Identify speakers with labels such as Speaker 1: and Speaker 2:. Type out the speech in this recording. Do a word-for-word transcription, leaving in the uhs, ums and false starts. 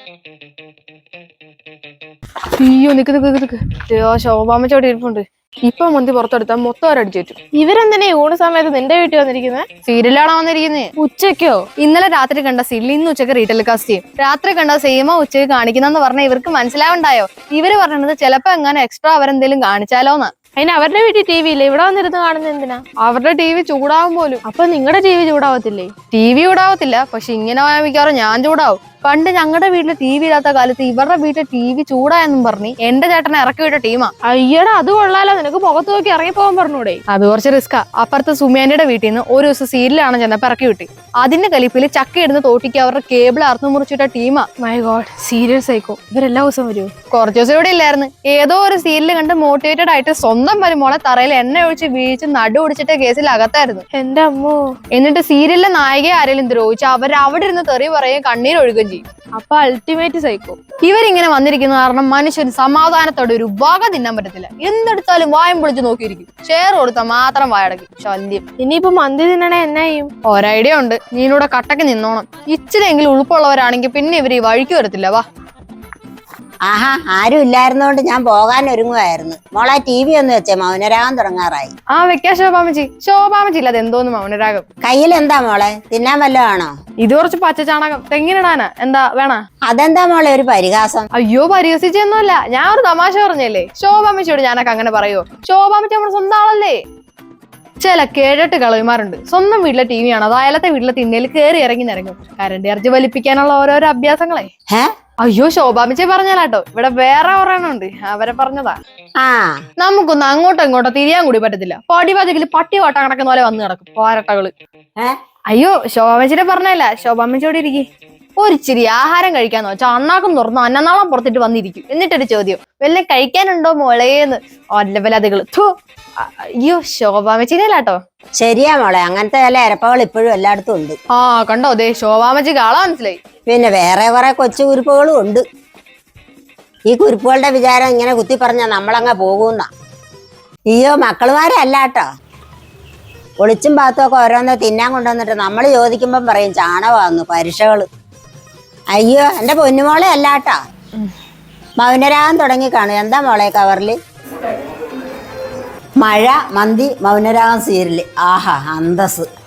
Speaker 1: അയ്യോ നിക്ക് നിക്ക് നിക്ക് ശോഭാമ്മച്ചോടെ ഇരിപ്പുണ്ട്. ഇപ്പൊ മന്തി പുറത്തെടുത്താൽ മൊത്തം അവരടിച്ചേറ്റും.
Speaker 2: ഇവരെന്തിനാ ഊണ് സമയത്ത് നിന്റെ വീട്ടിൽ വന്നിരിക്കുന്നത്?
Speaker 1: സീരിയലാണോ വന്നിരിക്കുന്നത്?
Speaker 2: ഉച്ചക്കോ?
Speaker 1: ഇന്നലെ രാത്രി കണ്ട സീരിയൽ ഇന്ന് ഉച്ചക്ക് റീറ്റെയിൽ കാസ്റ്റ് ചെയ്യും. രാത്രി കണ്ട സെയിമോ ഉച്ചക്ക് കാണിക്കുന്നെന്ന് പറഞ്ഞാൽ ഇവർക്ക് മനസ്സിലാവണ്ടായോ? ഇവര് പറഞ്ഞത് ചിലപ്പോ എങ്ങനെ എക്സ്ട്രാ അവരെന്തെങ്കിലും കാണിച്ചാലോന്നാ.
Speaker 2: അതിന് അവരുടെ വീട്ടിൽ ടി വി ഇല്ല, ഇവിടെ വന്നിരുന്ന് കാണുന്നത് എന്തിനാ?
Speaker 1: അവരുടെ ടി വി ചൂടാവും പോലും.
Speaker 2: അപ്പൊ നിങ്ങളുടെ ടി വി ചൂടാവത്തില്ലേ?
Speaker 1: ടി വി ചൂടാവത്തില്ല, പക്ഷെ ഇങ്ങനെ മിക്കവാറും ഞാൻ ചൂടാവും. പണ്ട് ഞങ്ങളുടെ വീട്ടിൽ ടി വി ഇല്ലാത്ത കാലത്ത് ഇവരുടെ വീട്ടിൽ ടി വി ചൂടായെന്നും പറഞ്ഞ് എന്റെ ചേട്ടനെ ഇറക്കി വിട്ട ടീമാ.
Speaker 2: അയ്യടാ, അത് കൊള്ളാലോ. നിനക്ക് മുഖത്ത് നോക്കി ഇറങ്ങിപ്പോകാൻ പറഞ്ഞൂടെ?
Speaker 1: അത് കുറച്ച് റിസ്കാ. അപ്പുറത്ത് സുമേന്റെ വീട്ടിൽ നിന്ന് ഒരു ദിവസം സീരിയലാണ് ചെന്നപ്പോ ഇറക്കി വിട്ടി. അതിന്റെ കലിപ്പില് ചക്ക ഇടുന്ന തോട്ടിക്ക് അവരുടെ കേബിൾ അറുന്നു മുറിച്ചിട്ട ടീമാ.
Speaker 2: My God, serial psycho. ഇവരെല്ലാ ദിവസം വരുമോ?
Speaker 1: കുറച്ചു ദിവസം ഇവിടെ ഇല്ലായിരുന്നു. ഏതോ ഒരു സീരിയൽ കണ്ട് മോട്ടിവേറ്റഡ് ആയിട്ട് സ്വന്തം വരുമോളെ തറയിൽ എണ്ണ ഒഴിച്ച് വീഴ്ച നടു ഒടിച്ചിട്ട കേസിൽ അകത്തായിരുന്നു.
Speaker 2: എന്റെ അമ്മോ.
Speaker 1: എന്നിട്ട് സീരിയലിലെ നായികയെ ആരെങ്കിലും ദ്രോഹിച്ച് അവർ അവിടെ ഇരുന്ന് തെറി പറയുകയും കണ്ണീരൊഴുകുകയും ചെയ്യും.
Speaker 2: അപ്പൊ അൾട്ടിമേറ്റ് സൈക്കോ.
Speaker 1: ഇവരിങ്ങനെ വന്നിരിക്കുന്ന കാരണം മനുഷ്യന് സമാധാനത്തോടെ ഒരു വക തിന്നാൻ പറ്റത്തില്ല. എന്തെടുത്താലും വായം പൊളിച്ച് നോക്കിയിരിക്കും. ഷെയർ കൊടുത്താൽ മാത്രം വായടക്കും. ശല്യം.
Speaker 2: ഇനിയിപ്പോ മന്തി തിന്നണേ എന്നാ ചെയ്യും?
Speaker 1: ഒരൈഡിയ ഉണ്ട്. നീനൂടെ കട്ടക്ക് നിന്നോണം. ഇച്ചിരെങ്കിലും ഉൾപ്പുള്ളവരാണെങ്കിൽ പിന്നെ ഇവർ ഈ വഴിക്ക് വരത്തില്ല. വാ.
Speaker 3: ആഹാ, ആരും ഇല്ലായിരുന്നോണ്ട് ഞാൻ പോകാൻ ഒരുങ്ങുമായിരുന്നു. മോളെ ടി വി ഒന്ന് വെച്ചേ, മൗനരാഗം തുടങ്ങാറായി.
Speaker 1: ആ വെക്കാ ശോഭാമച്ചി. ശോഭാമച്ചി ഇല്ലാതെ എന്തോന്ന് മൗനരാഗം.
Speaker 3: കയ്യിൽ എന്താ മോളെ, തിന്നാൻ വല്ലതും ആണോ?
Speaker 1: ഇത് കുറച്ച് പച്ചച്ചാണകം തെങ്ങിനിടാനാ. എന്താ വേണ?
Speaker 3: അതെന്താ മോളെ ഒരു പരിഹാസം?
Speaker 1: അയ്യോ, പരിഹസിച്ചൊന്നുമല്ല, ഞാൻ ഒരു തമാശ പറഞ്ഞല്ലേ. ശോഭാമച്ചിയോട് ഞാനൊക്കെ അങ്ങനെ പറയുമോ? ശോഭാമച്ചി നമ്മുടെ സ്വന്തം ആളല്ലേ. ചില കേഴട്ട് കളവിമാരുണ്ട്. സ്വന്തം വീട്ടിലെ ടി വി ആണ് അത് അയലത്തെ വീട്ടിലെ തിന്നയിൽ കയറി ഇറങ്ങി നിറങ്ങും. കരണ്ട് ഇറച്ചി വലിപ്പിക്കാനുള്ള ഓരോരോ അഭ്യാസങ്ങളെ. അയ്യോ, ശോഭാമിച്ചി പറഞ്ഞാലാട്ടോ. ഇവിടെ വേറെ ഒരെണ്ണുണ്ട്, അവരെ പറഞ്ഞതാ.
Speaker 3: ആ
Speaker 1: നമുക്കൊന്ന് അങ്ങോട്ടോ ഇങ്ങോട്ടോ തിരിയാൻ കൂടി പറ്റത്തില്ല. പൊടി പതികില് പട്ടി വട്ടം കിടക്കുന്ന പോലെ വന്ന് കിടക്കും പോരട്ടകള്. അയ്യോ, ശോഭാമിച്ചിനെ പറഞ്ഞല്ല. ശോഭാമിച്ചോടെ ഇരിക്കും. ഒരിച്ചിരി ആഹാരം കഴിക്കാന്ന് വെച്ചാൽ അണ്ണാക്കും തുറന്നു അന്നനാളം പുറത്തിട്ട് വന്നിരിക്കും. എന്നിട്ടൊരു ചോദ്യം, വല്ലതും കഴിക്കാനുണ്ടോ മോളേന്ന്. ഒല്ലവലതുകള്. അയ്യോ, ശോഭാമച്ചിനല്ലാട്ടോ.
Speaker 3: ശരിയാ മോളെ, അങ്ങനത്തെ ചില ഇരപ്പകൾ ഇപ്പോഴും എല്ലായിടത്തും ഉണ്ട്.
Speaker 1: ആ കണ്ടോ, ദേ ശോഭാമച്ചിക്ക് ആളാ മനസ്സിലായി.
Speaker 3: പിന്നെ വേറെ കുറെ കൊച്ചു കുരുപ്പുകളും ഉണ്ട്. ഈ കുരുപ്പുകളുടെ വിചാരം ഇങ്ങനെ കുത്തി പറഞ്ഞാ നമ്മളങ്ങ പോകുന്ന. അയ്യോ, മക്കളുമാരെ അല്ലാട്ടോ. ഒളിച്ചും പാത്തും ഒക്കെ ഓരോന്ന് തിന്നാൻ കൊണ്ടുവന്നിട്ട് നമ്മൾ ചോദിക്കുമ്പം പറയും ചാണകമാന്നു പരീക്ഷകള്. അയ്യോ, എന്റെ പൊന്നുമോളെ അല്ലാട്ടോ. മൗനരാഗം തുടങ്ങി കാണും. എന്താ മോളെ കവറില്? മഴ, മന്തി, മൗനരാഗം സീരിയല്. ആഹാ, അന്തസ്.